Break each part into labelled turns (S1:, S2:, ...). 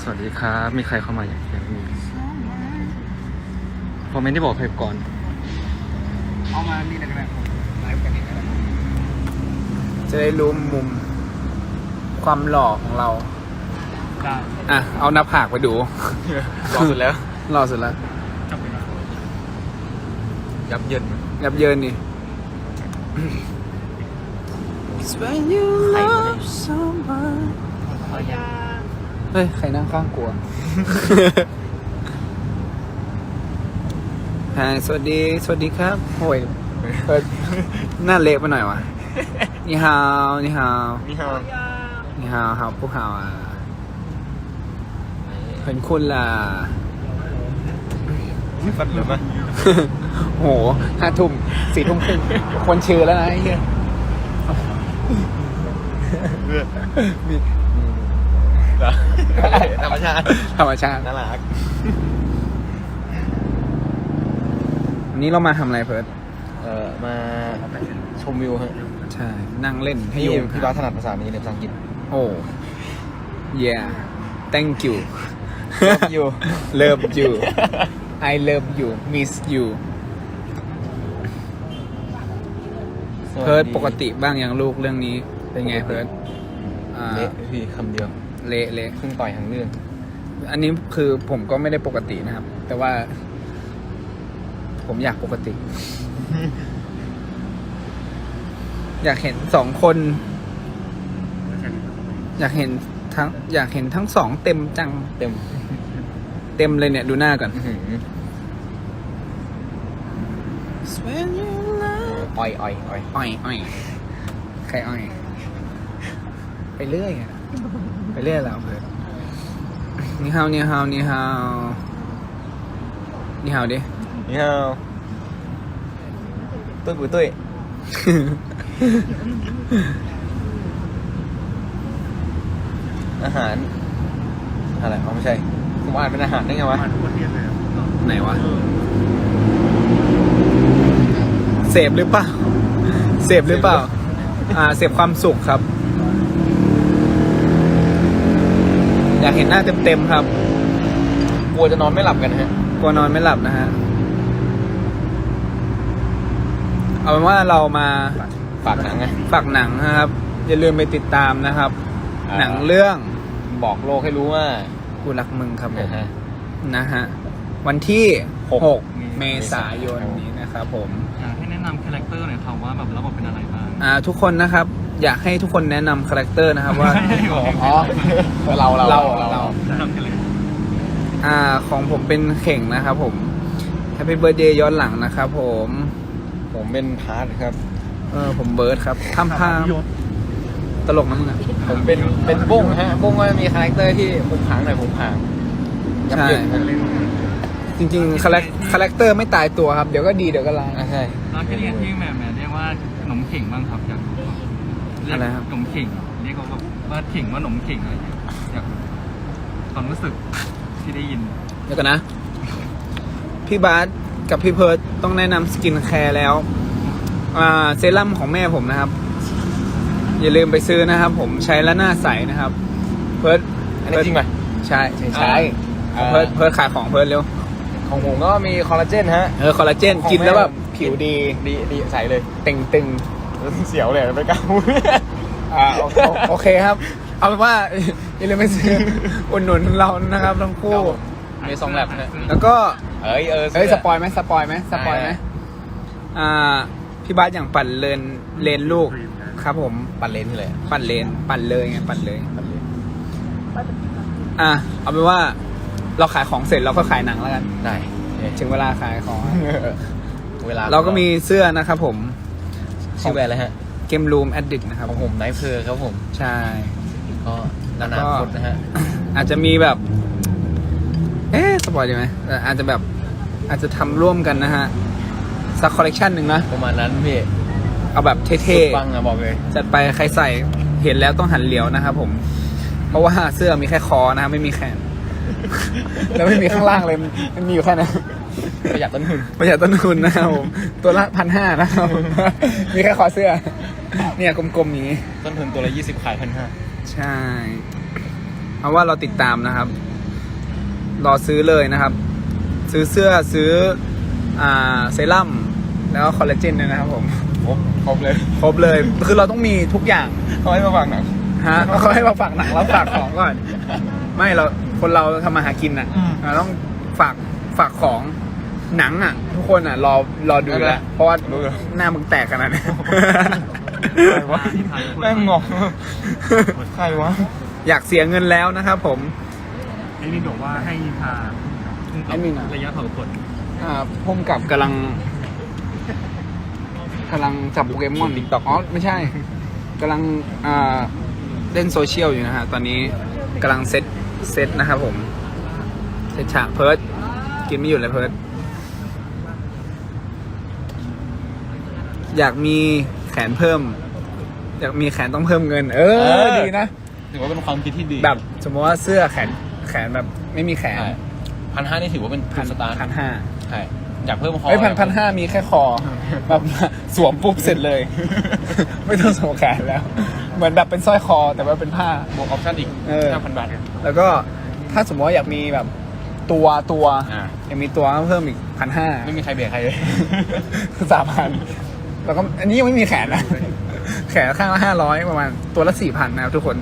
S1: สวัสดีครับ มีใครเข้ามาอย่างเงี้ยผมไม่ได้บอกใครก่อน
S2: เอามานี่เลยก็ได้ไลฟ์กันเองก็ได้
S3: จะได้รู้มุมความหล่อของเรา
S2: ได้
S3: อ่ะ เอาหน้าผากไปดู
S1: รอสุดแล้ว
S3: หล่อสุดแล้ว
S2: จบไปแล้ว
S1: ยับเยิน
S3: ยับเยินนี่
S2: ขอยา
S3: เฮ้ย ใครนั่งข้างกลัว ฮายสวัสดีครับโอ้ยหน้าเละไปหน่อยวะนี่ฮาวนี่ฮาว
S1: นี่ฮะ
S3: นี่ฮาวฮาวพวกฮาวอ่ะเห็นคุณล่ะ
S1: ฟัดเหลือมั้ย
S3: โห5 ทุ่ม4 ทุ่มครึ่งคนชื่อแล้วนะไอ้เหี้ยมี
S1: ธรรมชาติ
S3: ธรรมชาติ
S1: น่ารัก
S3: วันนี้เรามาทำอะไรเพิร์ด
S1: มาชมวิวฮะ
S3: ใช่ นั่งเล่นให้
S1: พี่
S3: ยุง
S1: พี่บ้าสถนัดภาษานี้ในภาษาอังกฤษ
S3: โอ้ yeah thank you
S1: Love you
S3: love you I love you miss you เพิร์ดปกติบ้างยังลูกเรื่องนี้เป็นไงเพิร์ด
S1: เละพี่คำเดียว
S3: เละเละ
S1: เพิ่งต่อยทั้งเรื่อง
S3: อันนี้คือผมก็ไม่ได้ปกตินะครับ แต่ว่า ผมอยากปกติ อยากเห็น2 คน อยากเห็นทั้ง2เต็มจัง
S1: เต็ม
S3: เต็มเลยเนี่ยดูหน้าก่อน
S1: อ่อย
S3: อ้อยใครอ้อย ไปเรื่อยอะไปเรื่อยแล้วเพื่อนนี่ฮาวดิ
S1: นี่ฮาวตุ้ยปุ๋ยตุ้ยอาหารอะไรอ๋อไม่ใช่ผมอ่านเป็นอาหารได้ไงวะ
S2: มาทุกประเทศเลยอะ
S3: ไหนวะเสพหรือเปล่าเสพหรือเปล่าเสพความสุขครับ อยากเห็นหน้าเต็มๆครับ
S1: กลัวจะนอนไม่หลับกันฮะ
S3: กลัวนอนไม่หลับนะฮะ เอาเป็นว่าเรามา
S1: ฝากหนังไง
S3: ฝากหนังนะครับ อย่าลืมไปติดตามนะครับ หนังเรื่อง
S1: บอกโลกให้รู้ว่า
S3: กูรักมึงครับผม
S1: นะฮะ
S3: นะฮะ วันที่
S1: 6
S3: 6 เมษายนนี้นะครับผม
S2: อยากให้แนะนำคาแรคเตอร์หน่อยครับว่าแบบระบบเป็นอะไรบ้าง
S3: ทุกคนนะครับ อยากให้ทุกคนแนะนำคาแรคเตอร์นะครับว่า
S1: อ๋อเรา
S2: แนะนำกันเลย
S3: ของผมเป็นเข่งนะครับผม Happy Birthday ย้อนหลังนะครับผม
S1: ผมเป็นพาร์ทครับ
S3: ผมเบิร์ดครับทำพามตลกนะมึงอ่ะ
S1: ผมเป็นบ้งฮะบ้งก็มีคาแรคเตอร์ที่ผมผางหน่อยผมผางยับ
S3: ใช่
S1: เยินฮะ
S3: จริงๆคาแรคเตอร์ไม่ตายตัวครับ เดี๋ยวก็ดีเดี๋ยวก็ร้าย
S1: ใช่
S2: แล้วก็เรียกที่แหม่เรียกว่าขนมเข่งบ้างครับอยากรู้ครับเรียก
S3: อะไรครับ
S2: ขนมเข่งเรียกว่าว่าเข่งว่าขนมเข่งอะไรอย่างเงี้ยอยากรู้ความรู้สึกที่ได้ยิน
S3: เดี๋ยวกันนะ พี่บาสกับพี่เพิร์ดต้องแนะนำสกินแคร์แล้วเซรั่มของแม่ผมนะครับ อย่าลืมไปซื้อนะครับ ผมใช้แล้วหน้าใสนะครับ เพิร์ด
S1: อันนี้จริงไหม
S3: ใช่ของเพิร์ดขายของเพิร์ดเร็ว
S1: ของผมก็มีคอลลาเจนฮะ
S3: คอลลาเจน
S1: ของ
S3: กินแล้วแบบ
S1: แม่ผม
S3: ผิวดี
S1: ดีใสเลย
S3: เต่งตึง
S1: เสียวเลยไม่กล้าพูด
S3: โอเคครับ เอาเป็นว่า อย่าลืมไปซื้ออุดหนุนเรานะครับทั้งคู่
S1: มี2 แลบฮะ
S3: แล้วก็
S1: เอ้ย
S3: สปอยไหมพี่บาสอย่างปั่นเลนลูกครับผม
S1: ปัดเลนที่เลย
S3: ปั่นเลยไงปั่นเลยเอาเป็นว่าเราขายของเสร็จเราก็ขายหนังแล้วกัน
S1: ได้
S3: ถึงเวลาขายของ
S1: เวลา
S3: เราก็มีเสื้อนะครับผม
S1: ชื่อแบรนด์อะไรฮะ
S3: เกมรูมแอดดิกนะครับ
S1: ของผมไนท์เพอร์ครับผม
S3: ใช่
S1: ก็นานาคตนะฮะ
S3: อาจจะมีแบบ สปอยดีไหมอาจจะทำร่วมกันนะฮะสักคอลเลกชันหนึ่งนะ
S1: ประมาณนั้นพี่
S3: เอาแบบเท่
S1: สุดปังอะบอกเลย
S3: ๆจัดไปใครใส่เห็นแล้วต้องหันเหลียวนะครับผม เพราะว่าเสื้อมีแค่คอนะครับไม่มีแขน แล้วไม่มีข้างล่างเลยมันมีอยู่แค่นั้น
S1: ประหยัดต้นทุน
S3: ประหยัดต้นทุนนะครับผมตัวละ1,500นะครับ มีแค่คอเสื้อ เนี่ยกลมๆอย่างนี้
S1: ต้นทุนตัวละ20ขาย1,500
S3: ใช่ เอาว่าเราติดตามนะครับรอซื้อเลยนะครับ ซื้อเสื้อซื้อเซรั่มแล้วก็คอลลาเจนด้วยนะครับผม
S1: ครบเลย
S3: ครบเลยคือเราต้องมีทุกอย่าง
S1: เขาให้มาฟังหนัง
S3: ฮะเขาให้มาฝากหนังเราฝากของก่อน ไม่เราคนเราทำมาหากินอ่ะ
S1: อืม
S3: เราต้องฝากของหนังอ่ะ ทุกคนอ่ะรอดูแล้วเพราะว่า
S1: รู้เหรอ
S3: หน้ามึงแตกขนาดนี้
S1: ใครวะแม่งงงใครวะ
S3: อยากเสียเงินแล้วนะครับผม
S2: ไอ้นี่บอกว่าให้พา
S3: ไอ้นี่นะ
S2: ระยะเผาขน
S3: พุ่มกับกำลังจับโปเกมอน
S1: TikTok
S3: อ๋อไม่ใช่กำลังเล่นโซเชียลอยู่นะฮะตอนนี้กำลังเซตนะครับผมเซตฉากเพิร์ดกินไม่หยุดเลยเพิร์ดอยากมีแขนเพิ่ม อยากมีแขนต้องเพิ่มเงิน ดีนะ
S1: ถือว่าเป็นความคิดที่ดี
S3: แบบสมมติว่าเสื้อแขนแบบไม่มีแขน
S1: 1,500นี่ถือว่าเป็นสตาร์ท
S3: 1,500
S1: ใช่อยากเพิ่มคอ
S3: เฮ้ย1,500มีแค่คอแบบสวมปุ๊บเสร็จเลย ไม่ต้องสวมแขนแล้ว เหมือนแบบเป็นสร้อยคอแต่ว่าเป็นผ้า
S1: บวกออปชั่นอีก 5,000 บาท
S3: แล้วก็ถ้าสมมติว่าอยากมีแบบตัว
S1: อ่า
S3: อยากมีตัวก็เพิ่มอีก 1,500
S1: ไม่มีใครเบียดใครเลย
S3: คือ3,000แล้วก็อันนี้ยังไม่มีแขนนะ แขนข้างละ500ประมาณตัวละ4,000นะครับทุกคน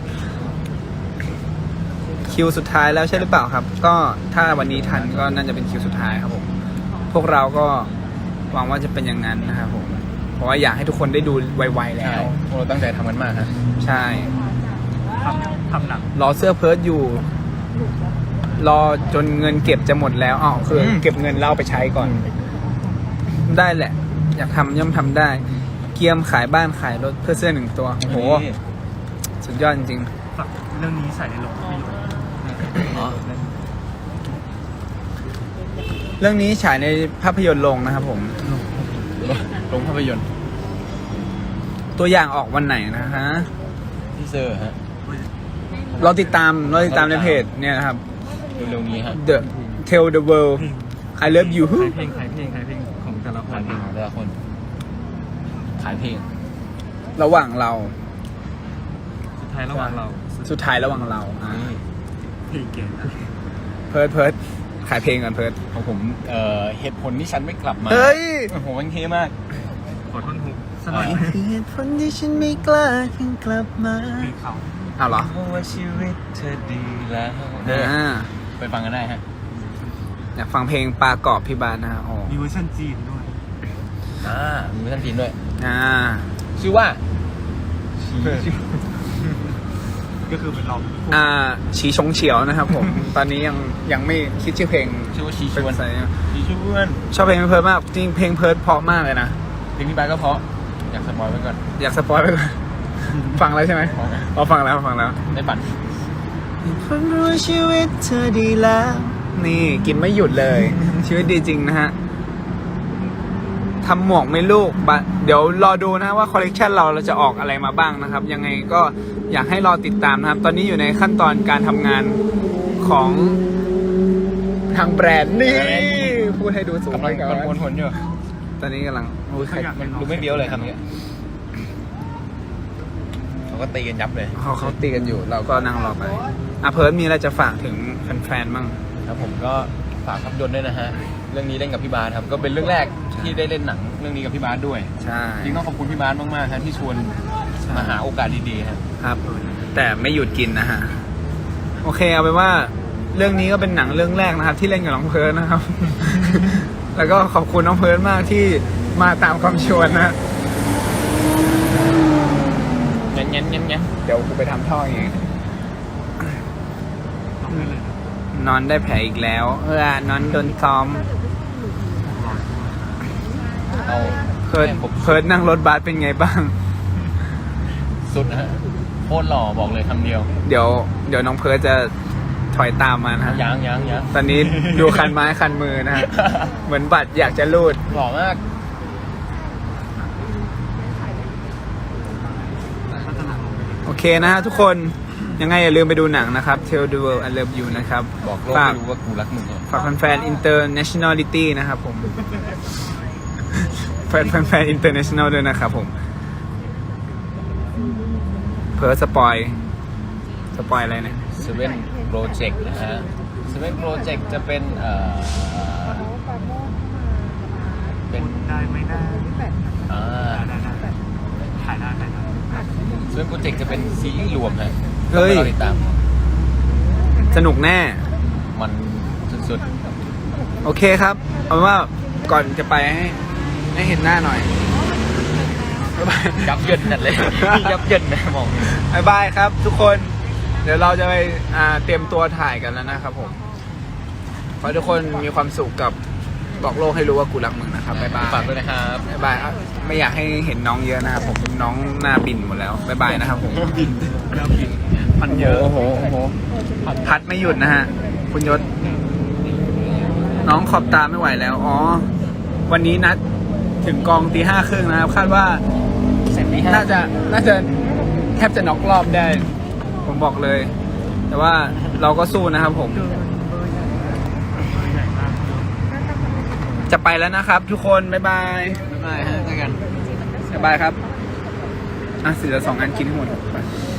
S3: คิวสุดท้ายแล้วใช่หรือเปล่าครับ ก็ถ้าวันนี้ทันก็น่าจะเป็นคิวสุดท้ายครับผม พวกเราก็หวังว่าจะเป็นอย่างนั้นนะครับผม เพราะว่าอยากให้ทุกคนได้ดูไวๆแล้
S1: ใช่
S3: ว
S1: พวกเราตั้งใจทำมันมากฮะ
S3: ใช่
S2: ทำหนัง
S3: รอเสื้อเพิร์ดอยู่ รอจนเงินเก็บจะหมดแล้วอ๋อคือเก็บเงินแล้วเอาไปใช้ก่อน ได้แหละ อยากทำย่อมทำได้ เกียมขายบ้านขายรถเพื่อเสื้อ1 ตัวโอ้โห
S1: นี่
S3: สุดยอดจริง
S2: ฝากเรื่องนี้ใส่ในโรงภาพยนตร์
S1: อ๋อ
S3: ๆเรื่องนี้ฉายในภาพยนตร์ลงนะครับผม
S1: ลงภาพยนตร์
S3: ตัวอย่างออกวันไหนนะฮะ
S1: ที่เซอร์ฮะ
S3: เราติดตามในเพจเนี่ยนะครับ
S1: เร็วๆนี้ฮะ
S3: The Tell the World I Love You
S2: ขายเพลงของแต่ละค
S1: ขาย
S2: น
S1: เพลงของแต่ละคน ขายเพลง
S3: ระหว่างเรา
S2: สุดท้ายระหว่างเรา
S3: สุดท้ายระหว่างเราอ่ะ
S1: นี่
S2: เพลงเก่งนะ
S3: เพิร์ดขายเพลงก่อนเพิร์ด
S1: ของผมเหตุผลที่ฉันไม่กลับมา
S3: เฮ้ย
S1: โอ้โหมันเท่มาก
S2: ขอท่อนฮุกสักหน่อย
S3: เหตุผลที่ฉันไม่กล้าขึ้นกลับมา
S2: เพลงเขา
S3: อ้าวเหรอ
S1: เพราะว่าชีวิตเธอดีแล้ว
S3: อ่า
S1: ไปฟังกันได้ฮะ
S3: อยากฟังเพลงปลากรอบพี่บานนะฮะอ๋อ
S2: มีเวอร์ชันจีนด้วย
S1: มีเวอร์ชันจีนด้วย
S3: อ่า
S1: ชื่อว่า
S2: ก็คือเป็นเรา
S3: ฉีชงเฉียวนะครับผม ตอนนี้ยังไม่คิดชื่อเพลง
S1: ชื่อว่าชีช
S3: เป็น
S1: วน
S3: ภาษา
S1: ชีชวน
S3: ชอบเพลงเพิร์ดมากจริงเพลงเพิร์ดเพราะมากเลยนะ
S1: เพลงนี้ไปก็เพราะ อยากสปอยไว้ก่อน
S3: อยากสปอยไปก่อน ฟังแล้วใช่ไหม
S1: ฟังแล้ว
S3: อ๋อฟังแล้ว
S1: ได้ปั่น
S3: คนรู้ชีวิตเธอดีแล้ว นี่กินไม่หยุดเลย ชีวิตดีจริงนะฮะทำหมวกไหม่ลูกเดี๋ยวรอดูนะว่าคอลเลกชันเราจะออกอะไรมาบ้างนะครับ ยังไงก็อยากให้รอติดตามนะครับ ตอนนี้อยู่ในขั้นตอนการทำงานของทางแบรนด์นี่พูดให้ดูสูง
S1: กำลัง
S3: ไปก่อน
S1: ผลอยู่
S3: ตอนนี้กำลังโอ้ยใคร
S1: มันดูไม่เบี้ยวเลยคำนี้เขาก็ตีกันยับเลย
S3: เขาตีกันอยู่ เราก็นั่งรอไปเพิร์ดมีอะไรจะฝากถึงแฟนๆบ้าง
S1: ครับผมก็ฝากภาพยนตร์ด้วยนะฮะ เรื่องนี้เล่นกับพี่บาสครับ ก็เป็นเรื่องแรกที่ได้เล่นหนังเรื่องนี้กับพี่บาสด้วย
S3: ใช่
S1: จริงต้องขอบคุณพี่บาสมากๆครับที่ชวนมาหาโอกาสดีๆครับ
S3: ครับ แต่ไม่หยุดกินนะฮะ โอเคเอาเป็นว่าเรื่องนี้ก็เป็นหนังเรื่องแรกนะครับ ที่เล่นกับน้องเพิร์ดนะครับ แล้วก็ขอบคุณน้องเพิร์ดมากที่มาตามคำชวนนะ
S1: เงี้ย
S3: เดี๋ยวกูไปทำท่อเอง
S2: ต้องได้เลยนะ
S3: นอนได้แผลอีกแล้วนอนโดนซ้อม
S1: เอา
S3: เพิร์ดนั่งรถบัสเป็นไงบ้าง
S1: สุดนะฮะโคตรหล่อบอกเลยคำเดียว
S3: เดี๋ยวน้องเพิร์ดจะถอยตามมานะฮะ
S1: ยัง
S3: ตอนนี้ดูคันไม้คันมือนะฮะ เหมือนบัตรอยากจะรูด
S1: หล่อมาก
S3: โอเคนะฮะทุกคนยังไงอย่าลืมไปดูหนังนะครับ Tell the World I Love You นะครับ
S1: บอกโลก
S3: ฝาก
S1: ไม่รู้ว่ากูรักมึงเหรอ
S3: ฝากแฟนๆ internationality นะครับผม แฟน international ด้วยนะครับผม เพิร์สปอยอะไรเนี่ย
S1: เซเว่นโปรเจกต์นะฮะสเปนโปรเจกต์จะเป็นเป็น
S2: ได้ไม่ได้
S1: อ่า
S2: ได้ถ่ายได้
S1: สเปนโปรเจกต์จะเป็นซีรีส์รวมฮะ
S3: เฮ้ย
S1: ต้องไปรอติดตาม
S3: สนุกแน่
S1: มันสุด
S3: โอเคครับ เอาเป็นว่าก่อนจะไปให้เห็นหน้าหน่อย บ๊ายบาย
S1: ๆยับเยินนั่นเลย ยับเยินนะมอง
S3: บ๊ายบายครับ ทุกคน เดี๋ยวเราจะไปเตรียมตัวถ่ายกันแล้วนะครับผม ขอให้ทุกคนมีความสุขกับบอกโลกให้รู้ว่ากูรักมึงนะครับ บ๊ายบาย
S1: ฝากด้วยนะครับ
S3: บ๊ายบายครับไม่อยากให้เห็นน้องเยอะนะครับผม น้องหน้าบินหมดแล้ว บ๊ายบายนะครับผม
S1: บินพันเยอะ
S3: โอ้โหพัดไม่หยุดนะฮะ คุณยศ น้องขอบตาไม่ไหวแล้ว อ๋อ วันนี้นัดถึงกองตี 5:30นะครับ คาดว่า
S1: เสร็จนี้
S3: น่าจะแทบจะน็อกรอบได้ ผมบอกเลย แต่ว่าเราก็สู้นะครับผม จะไปแล้วนะครับ ทุกคน บ๊ายบาย
S1: บ๊ายบายฮะเจอกัน
S3: บ๊ายบายครับ อ่ะเสือ2 อันกินให้หมดไป